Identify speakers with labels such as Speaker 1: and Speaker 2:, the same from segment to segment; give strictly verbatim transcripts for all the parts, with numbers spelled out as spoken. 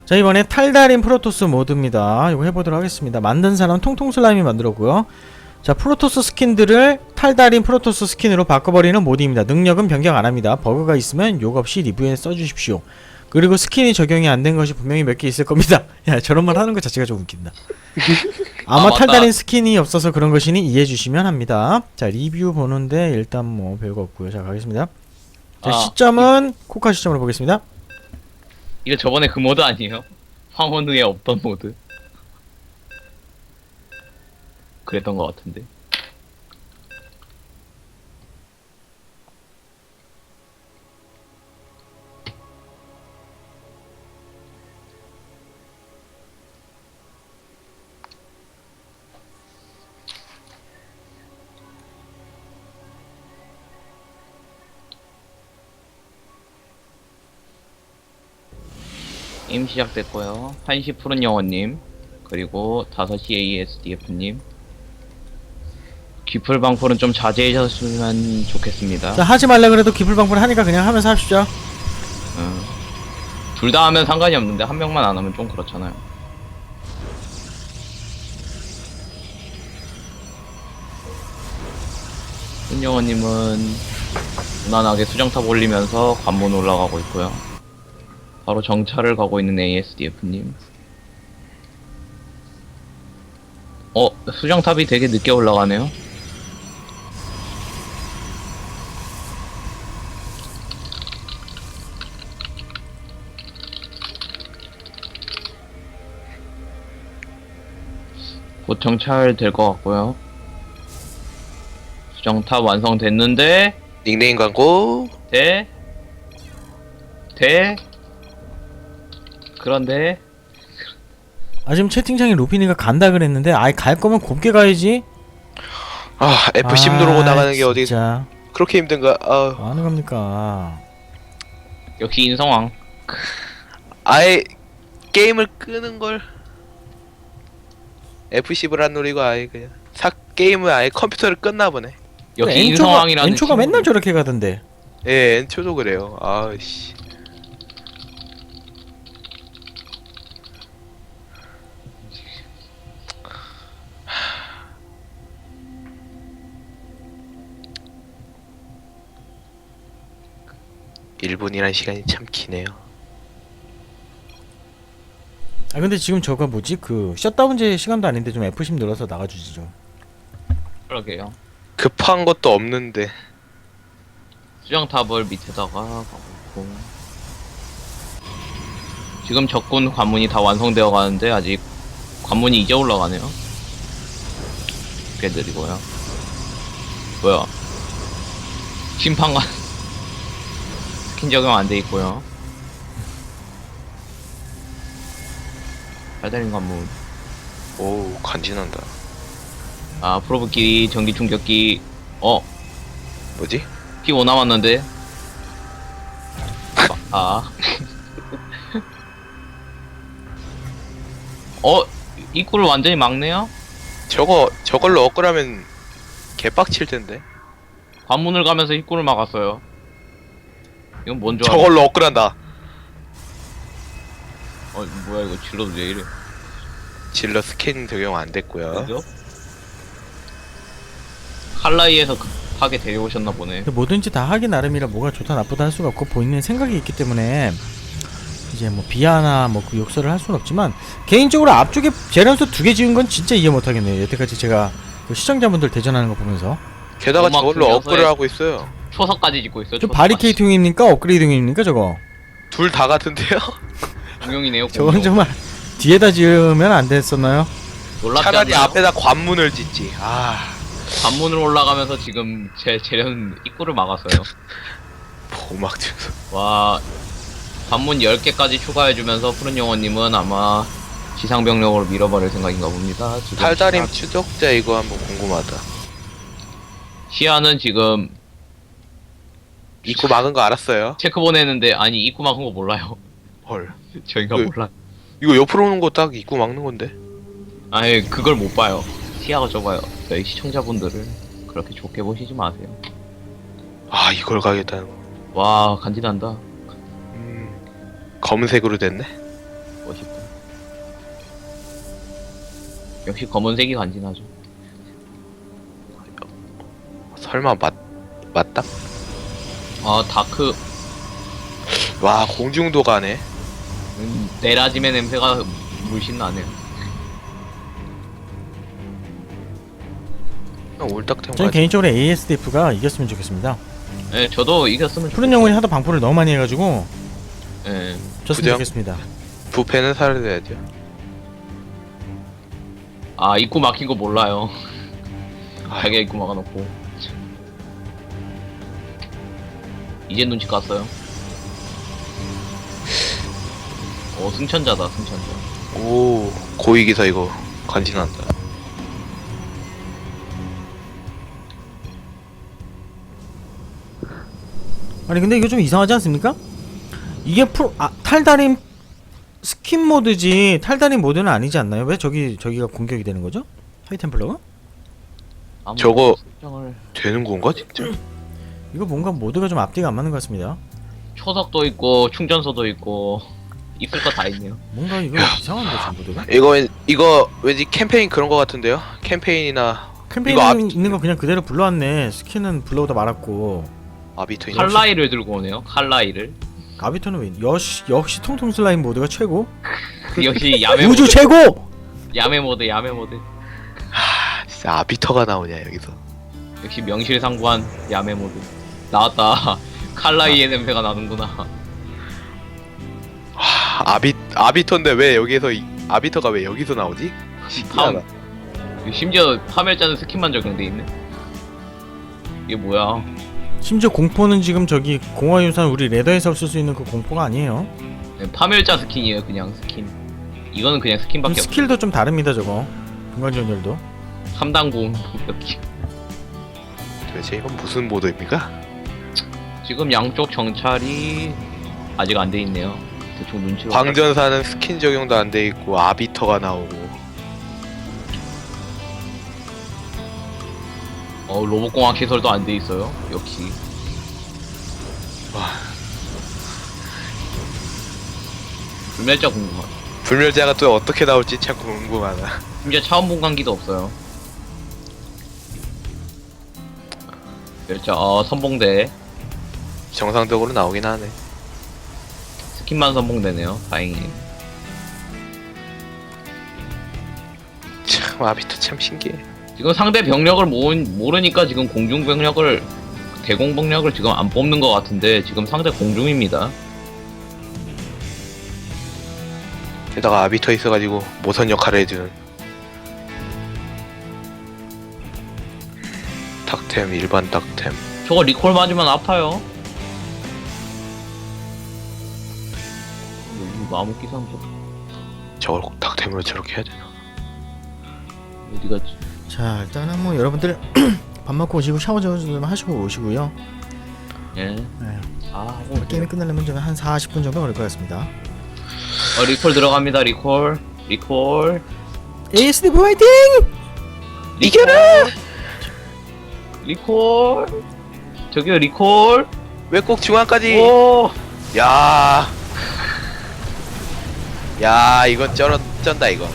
Speaker 1: 자, 이번에 탈달인 프로토스 모드입니다. 이거 해보도록 하겠습니다. 만든 사람 통통 슬라임이 만들었고요. 자, 프로토스 스킨들을 탈달인 프로토스 스킨으로 바꿔버리는 모드입니다. 능력은 변경 안합니다. 버그가 있으면 욕 없이 리뷰에 써주십시오. 그리고 스킨이 적용이 안 된 것이 분명히 몇 개 있을 겁니다. 야, 저런 말 하는 것 자체가 좀 웃긴다. 아마
Speaker 2: 아,
Speaker 1: 탈달인 스킨이 없어서 그런 것이니 이해해 주시면 합니다. 자, 리뷰 보는데 일단 뭐 별거 없고요. 자, 가겠습니다. 자,
Speaker 2: 아,
Speaker 1: 시점은 코카 시점으로 보겠습니다.
Speaker 2: 이거 저번에 그 모드 아니에요? 황혼우에 없던 모드. 그랬던 것 같은데. 게임 시작됐고요. 한 시 푸른 영원님, 그리고 다섯 시 에이에스디에프님. 귀풀방풀은 좀 자제해주셨으면 좋겠습니다.
Speaker 1: 자, 하지 말라 그래도 기풀방풀 하니까 그냥 하면서 합시다.
Speaker 2: 둘 다 하면 상관이 없는데 한 명만 안 하면 좀 그렇잖아요. 푸른 영원님은 무난하게 수정탑 올리면서 관문 올라가고 있고요. 바로 정찰을 가고 있는 에이에스디에프님. 어, 수정탑이 되게 늦게 올라가네요. 곧 정찰 될 것 같고요. 수정탑 완성됐는데
Speaker 3: 닉네임 광고.
Speaker 2: 돼? 돼? 그런데
Speaker 1: 아, 지금 채팅창에 루피니가 간다 그랬는데 아이 갈 거면 곱게 가야지.
Speaker 3: 아 에프 십 누르고 나가는 게 어디
Speaker 1: 진짜
Speaker 3: 그렇게 힘든가? 아
Speaker 1: 뭐 하는 겁니까?
Speaker 2: 역시 인성왕.
Speaker 3: 아예 게임을 끄는 걸 에프 십을 안 누르고 아예 그냥 사 게임을 아예 컴퓨터를 껐나 보네.
Speaker 2: 역시
Speaker 1: 엔초가,
Speaker 2: 인성왕이라는
Speaker 1: 엔초가
Speaker 2: 친구.
Speaker 1: 맨날 저렇게 가던데.
Speaker 3: 예, 엔초도 그래요. 아씨. 일 분이란 시간이 참 기네요.
Speaker 1: 아, 근데 지금 저거 뭐지? 그 셧다운제 시간도 아닌데 좀 에프 십 눌러서 나가주시죠.
Speaker 2: 그러게요.
Speaker 3: 급한 것도 없는데.
Speaker 2: 수정탑을 밑에다가 가고 있고. 지금 적군 관문이 다 완성되어 가는데 아직 관문이 이제 올라가네요. 꽤 느리고요. 뭐야? 심판관 스킨 적용 안 돼 있고요. 달달인 관문.
Speaker 3: 오 간지난다.
Speaker 2: 아, 프로브끼리 전기 충격기. 어,
Speaker 3: 뭐지?
Speaker 2: 피 오 남았는데. 아. 어, 입구를 완전히 막네요?
Speaker 3: 저거 저걸로 업그라면 개빡칠 텐데.
Speaker 2: 관문을 가면서 입구를 막았어요. 이건 뭔 줄 알아?
Speaker 3: 저걸로 업그란다.
Speaker 2: 어, 뭐야 이거 질러도 왜 이래?
Speaker 3: 질러 스캔 적용 안 됐고요.
Speaker 2: 그죠? 칼라이에서 급하게 데려오셨나 보네.
Speaker 1: 근데 뭐든지 다 하기 나름이라 뭐가 좋다 나쁘다 할 수가 없고 본인의 생각이 있기 때문에 이제 뭐 비하나 뭐 그 욕설을 할 수는 없지만 개인적으로 앞쪽에 재련소 두 개 지은 건 진짜 이해 못하겠네요. 여태까지 제가 그 시청자분들 대전하는 거 보면서
Speaker 3: 게다가
Speaker 2: 음악
Speaker 3: 저걸로
Speaker 2: 중에서의-
Speaker 3: 업그를 하고 있어요.
Speaker 2: 초석까지 짓고 있어요.
Speaker 1: 저 바리케이팅입니까? 업그레이딩입니까 저거?
Speaker 3: 둘 다 같은데요?
Speaker 2: 공룡이네요.
Speaker 1: 저건
Speaker 2: 공룡.
Speaker 1: 정말 뒤에다 지으면 안 됐었나요?
Speaker 2: 놀랍지
Speaker 3: 차라리
Speaker 2: 않나요?
Speaker 3: 앞에다 관문을 짓지. 아
Speaker 2: 관문을 올라가면서 지금 제 재련 입구를 막았어요.
Speaker 3: 보막 증서.
Speaker 2: 와, 관문 열 개까지 추가해주면서 푸른 영혼님은 아마 지상병력으로 밀어버릴 생각인가 봅니다. 지금
Speaker 3: 탈다림
Speaker 2: 시야-
Speaker 3: 추적자 이거 한번 궁금하다.
Speaker 2: 시야는 지금
Speaker 3: 입구 막은 거 알았어요.
Speaker 2: 체크 보내는데 아니 입구 막은 거 몰라요.
Speaker 3: 헐.
Speaker 2: 저희가
Speaker 3: 그-
Speaker 2: 몰라.
Speaker 3: 이거 옆으로 오는 거 딱 입구 막는 건데.
Speaker 2: 아니 그걸 못 봐요. 시야가 좁아요. 저희 시청자분들을 그렇게 좋게 보시지 마세요.
Speaker 3: 아 이걸 가겠다는 거.
Speaker 2: 와 간지난다.
Speaker 3: 음 검은색으로 됐네.
Speaker 2: 멋있다. 역시 검은색이 간지나죠.
Speaker 3: 설마 맞 맞다?
Speaker 2: 아 다크
Speaker 3: 와 공중도 가네.
Speaker 2: 음, 네라짐의 냄새가 물씬 나네요.
Speaker 3: 올딱템
Speaker 1: 저는
Speaker 3: 가지.
Speaker 1: 개인적으로 에이에스디에프가 이겼으면 좋겠습니다.
Speaker 2: 네, 저도 이겼으면
Speaker 1: 푸른 영혼이 하도 방포를 너무 많이 해가지고
Speaker 2: 네.
Speaker 1: 졌으면
Speaker 3: 부정?
Speaker 1: 좋겠습니다.
Speaker 3: 부패는 사라져야죠.
Speaker 2: 아 입구 막힌 거 몰라요.
Speaker 3: 아,
Speaker 2: 자기가 입구 막아놓고. 이제 눈치 깠어요. 어 승천자다 승천자.
Speaker 3: 오 고위기사 이거 간지난다.
Speaker 1: 아니 근데 이거 좀 이상하지 않습니까? 이게 프로 아, 탈다림 스킨 모드지 탈다림 모드는 아니지 않나요? 왜 저기 저기가 공격이 되는 거죠? 하이템플러가?
Speaker 2: 아무
Speaker 3: 저거-
Speaker 2: 설정을
Speaker 3: 되는 건가 진짜?
Speaker 1: 이거 뭔가 모드가 좀 앞뒤가 안 맞는 것 같습니다.
Speaker 2: 초석도 있고 충전소도 있고 있을 거 다 있네요.
Speaker 1: 뭔가 이거 이상한데 저 모드가?
Speaker 3: 이거 왠- 이거 왠지 캠페인 그런 거 같은데요? 캠페인이나
Speaker 1: 캠페인
Speaker 3: 이거 앞-
Speaker 1: 있는 거 그냥 그대로 불러왔네. 스킨은 불러오다 말았고
Speaker 3: 아비터 이런
Speaker 2: 칼라이를 들고 오네요. 칼라이를.
Speaker 1: 아비터는 왜 역시 역시 통통 슬라임 모드가 최고.
Speaker 2: 역시 야매
Speaker 1: 우주
Speaker 2: 모드.
Speaker 1: 최고.
Speaker 2: 야매 모드 야매 모드.
Speaker 3: 하, 진짜 아비터가 나오냐 여기서.
Speaker 2: 역시 명실상부한 야매 모드. 나왔다. 칼라이의 냄새가 나는구나.
Speaker 3: 하, 아비 아비터인데 왜 여기서 이, 아비터가 왜 여기서 나오지? 신기하다.
Speaker 2: 심지어 파멸자는 스킨만 적용돼 있네. 이게 뭐야?
Speaker 1: 심지어 공포는 지금 저기 공화유산 우리 레더에서 쓸 수 있는 그 공포가 아니에요.
Speaker 2: 네, 파멸자 스킨이에요. 그냥 스킨. 이거는 그냥 스킨밖에 없어.
Speaker 1: 스킬도 좀 다릅니다 저거. 중간전열도.
Speaker 2: 삼 단 고음 폭격기.
Speaker 3: 도대체 이건 무슨 모드입니까?
Speaker 2: 지금 양쪽 정찰이 아직 안 돼 있네요. 대충 눈치로.
Speaker 3: 광전사는 스킨 적용도 안 돼 있고 아비터가 나오고.
Speaker 2: 어 로봇공학 시설도 안 돼 있어요. 역시.
Speaker 3: 와
Speaker 2: 불멸자 궁금하다.
Speaker 3: 불멸자가 또 어떻게 나올지 참 궁금하다.
Speaker 2: 심지어 차원 분광기도 없어요. 멸자 어 선봉대.
Speaker 3: 정상적으로 나오긴 하네.
Speaker 2: 스킨만 선봉대네요. 다행히.
Speaker 3: 참 아비터 참 신기해.
Speaker 2: 지금 상대 병력을 모, 모르니까 지금 공중 병력을 대공 병력을 지금 안 뽑는 것 같은데 지금 상대 공중입니다.
Speaker 3: 게다가 아비터 있어가지고 모선 역할을 해주는. 닥템 일반 닥템.
Speaker 2: 저거 리콜 맞으면 아파요. 여기 마법 기상도
Speaker 3: 저걸 꼭 닥템으로 저렇게 해야 되나?
Speaker 2: 어디 갔지?
Speaker 1: 자 일단은 뭐 여러분들 밥 먹고 오시고 샤워 좀 하시고 오시고요.
Speaker 2: 예.
Speaker 1: 네.
Speaker 2: 아,
Speaker 1: 게임이 끝나려면 좀 한 사십 분 정도 걸릴 것 같습니다.
Speaker 2: 어 리콜 들어갑니다. 리콜. 리콜.
Speaker 1: 에이에스디에프 화이팅!
Speaker 3: 이겨라!
Speaker 2: 리콜. 저기요 리콜.
Speaker 3: 왜 꼭 중앙까지?
Speaker 2: 오.
Speaker 3: 야, 야 이건 쩔어 쩐다 이거.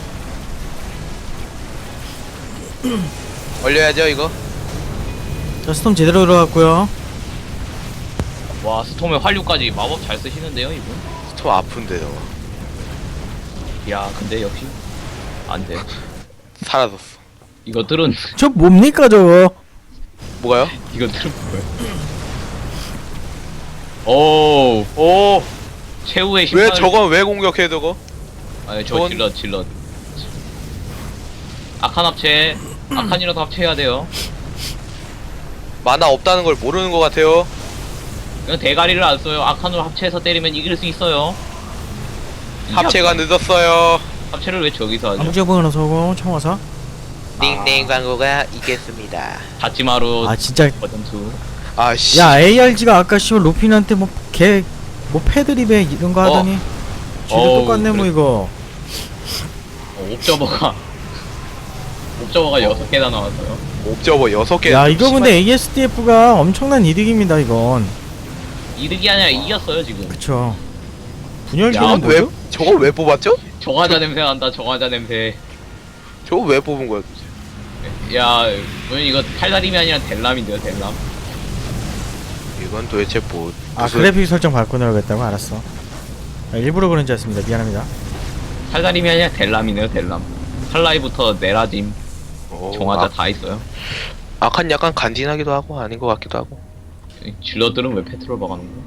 Speaker 3: 올려야죠 이거.
Speaker 1: 자 스톰 제대로 들어갔고요.
Speaker 2: 와 스톰의 활류까지 마법 잘 쓰시는데요 이분.
Speaker 3: 스톰 아픈데 저거.
Speaker 2: 야 근데 역시 안 돼.
Speaker 3: 사라졌어.
Speaker 2: 이것들은
Speaker 1: 저 뭡니까 저거?
Speaker 3: 뭐가요?
Speaker 2: 이것들은 뭐야? 오.
Speaker 3: 오,
Speaker 2: 최후의 심판.
Speaker 3: 왜 저건 왜 공격해 저거?
Speaker 2: 아니 저
Speaker 3: 저건-
Speaker 2: 질럿 질럿. 악한 합체. 악한이라도 합체해야 돼요.
Speaker 3: 만화 없다는 걸 모르는 것 같아요.
Speaker 2: 이건 대가리를 안 써요. 악한으로 합체해서 때리면 이길 수 있어요. 이
Speaker 3: 합체가 늦었어요.
Speaker 2: 합체를 왜 저기서 하죠?
Speaker 1: 암흑제봉 하나 서고 청화사.
Speaker 3: 닝닝 광고가 이겼습니다.
Speaker 2: 다치마루
Speaker 1: 아 진짜.
Speaker 2: 버전 투.
Speaker 3: 아씨.
Speaker 1: 야 에이알지가 아까 씨발 로핀한테 뭐 개 뭐 패드립에 이런 거 하더니 쥐도
Speaker 2: 어우,
Speaker 1: 똑같네 뭐
Speaker 2: 그래.
Speaker 1: 이거.
Speaker 2: 어, 옵저버가 옵저버가 여섯 개나 나왔어요.
Speaker 3: 옵저버 여섯 개.
Speaker 1: 야 이거 근데 에이에스디에프가 엄청난 이득입니다 이건.
Speaker 2: 이득이 아니라 이겼어요 지금.
Speaker 1: 그쵸. 분열기는
Speaker 2: 야,
Speaker 3: 왜
Speaker 1: 뭐죠?
Speaker 3: 저거 왜 뽑았죠?
Speaker 2: 정화자 냄새 난다. 정화자 냄새.
Speaker 3: 저거 왜 뽑은 거야?
Speaker 2: 야, 왜 이거 탈다림이 아니라 델람인데요, 델람.
Speaker 3: 이건 도대체 뭐
Speaker 1: 아
Speaker 3: 무슨
Speaker 1: 그래픽 설정 바꿔놓으겠다고? 알았어. 아, 일부러 그런 줄 알았습니다. 미안합니다.
Speaker 2: 탈다림이 아니라 델람이네요, 델람. 칼라이부터 네라짐,
Speaker 3: 어,
Speaker 2: 정화자
Speaker 3: 아,
Speaker 2: 다 있어요.
Speaker 3: 아칸 약간 간지나기도 하고 아닌 것 같기도 하고.
Speaker 2: 질러들은 왜 페트롤 박아놓은 거야?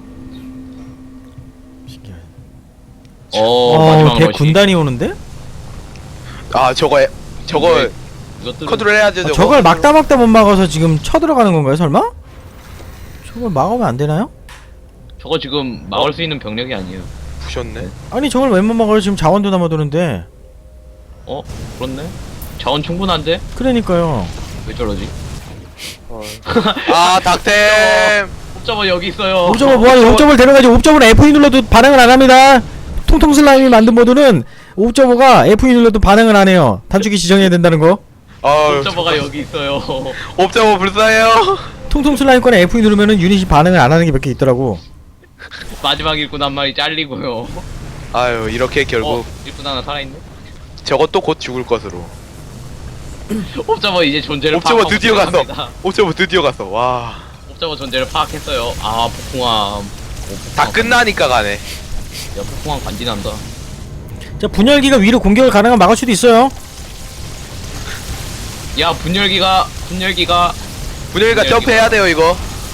Speaker 1: 신기하네.
Speaker 2: 어,
Speaker 1: 어,
Speaker 2: 마지막
Speaker 1: 대
Speaker 2: 러시.
Speaker 1: 군단이 오는데?
Speaker 3: 아 저거 애- 저거
Speaker 2: 네. 이것들은
Speaker 3: 컨트롤 해야죠.
Speaker 1: 아,
Speaker 3: 저거.
Speaker 1: 저걸 막다 막다 못 막아서 지금 쳐들어가는 건가요, 설마? 저걸 막으면 안 되나요?
Speaker 2: 저거 지금 막을 수 있는 병력이 아니에요.
Speaker 3: 부셨네.
Speaker 1: 아니 저걸 왜 못 막아요? 지금 자원도 남아도는데.
Speaker 2: 어? 그렇네? 자원 충분한데?
Speaker 1: 그러니까요.
Speaker 2: 왜 저러지?
Speaker 3: 어. 아 닥템.
Speaker 2: 옵저버 여기 있어요.
Speaker 1: 옵저버 뭐하니? 옵저버를 데려가지. 옵저버는 에프 이 눌러도 반응을 안 합니다. 통통 슬라임이 만든 모드는 옵저버가 에프 이 눌러도 반응을 안 해요. 단축키 지정해야 된다는 거.
Speaker 3: 어.
Speaker 2: 옵저버가 여기 있어요.
Speaker 3: 옵저버 불쌍해요.
Speaker 1: 통통 슬라임 거는 에프 이 누르면은 유닛이 반응을 안 하는 게 몇 개 있더라고.
Speaker 2: 마지막 일꾼 한 마리 잘리고요.
Speaker 3: 아유 이렇게 결국
Speaker 2: 어, 일꾼 하나 살아있네?
Speaker 3: 저것도 곧 죽을 것으로.
Speaker 2: 옵저버 이제 존재를
Speaker 3: 옵저버
Speaker 2: 파악하고
Speaker 3: 드디어 갔어.
Speaker 2: 들어갑니다.
Speaker 3: 옵저버 드디어 갔어. 와.
Speaker 2: 옵저버 존재를 파악했어요. 아, 폭풍함. 오,
Speaker 3: 다
Speaker 2: 폭풍함.
Speaker 3: 끝나니까 가네.
Speaker 2: 야, 폭풍함 간지난다.
Speaker 1: 자 분열기가 위로 공격을 가능한 막을 수도 있어요.
Speaker 2: 야, 분열기가, 분열기가.
Speaker 3: 분열이가
Speaker 2: 분열기가-
Speaker 3: 점프해야 돼요 이거.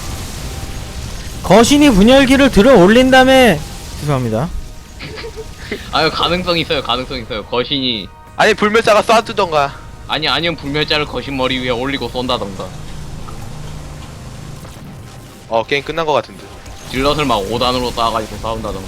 Speaker 1: 거신이 분열기를 들어 올린 다음에 죄송합니다.
Speaker 2: 아유, 가능성 있어요, 가능성 있어요. 거신이.
Speaker 3: 아니 불멸자가 쏴주던가.
Speaker 2: 아니, 아니면 불멸자를 거신 머리 위에 올리고 쏜다던가.
Speaker 3: 어 게임 끝난 것 같은데.
Speaker 2: 질럿을 막 오 단으로 쌓아가지고 싸운다던가.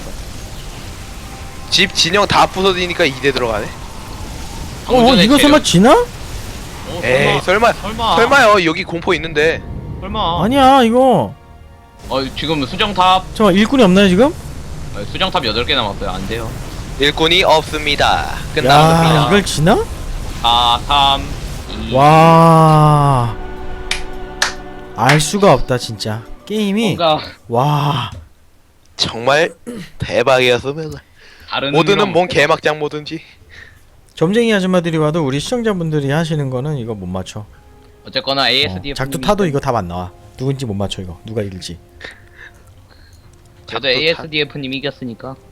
Speaker 3: 집 진영 다 부서지니까 이 대 들어가네.
Speaker 2: 방금
Speaker 1: 어
Speaker 2: 전에
Speaker 1: 이거
Speaker 2: 재력-
Speaker 1: 설마 지나?
Speaker 2: 어,
Speaker 3: 에이 설마
Speaker 2: 설마.
Speaker 3: 설마요. 여기 공포 있는데.
Speaker 2: 설마.
Speaker 1: 아니야 이거.
Speaker 2: 어, 지금 수정탑.
Speaker 1: 잠깐 일꾼이 없나요 지금?
Speaker 2: 아, 수정탑 여덟 개 남았어요. 안 돼요.
Speaker 3: 일꾼이 없습니다.
Speaker 1: 야
Speaker 3: 끝났습니다.
Speaker 1: 이걸 지나?
Speaker 2: 사, 삼, 이.
Speaker 1: 와. 알 수가 없다 진짜. 게임이
Speaker 2: 뭔가
Speaker 1: 와.
Speaker 3: 정말 대박이었으면.
Speaker 2: 다른
Speaker 3: 모드는
Speaker 2: 의미로
Speaker 3: 뭔 개막장 모든지.
Speaker 1: 점쟁이 아줌마들이 와도 우리 시청자분들이 하시는 거는 이거 못 맞춰.
Speaker 2: 어쨌거나
Speaker 1: 어,
Speaker 2: 에이에스디에프
Speaker 1: 작두 타도 이거 답 안 나와. 누군지 못 맞춰 이거. 누가 이길지.
Speaker 2: 저도
Speaker 3: 작두 타-
Speaker 2: 에이에스디에프님 이겼으니까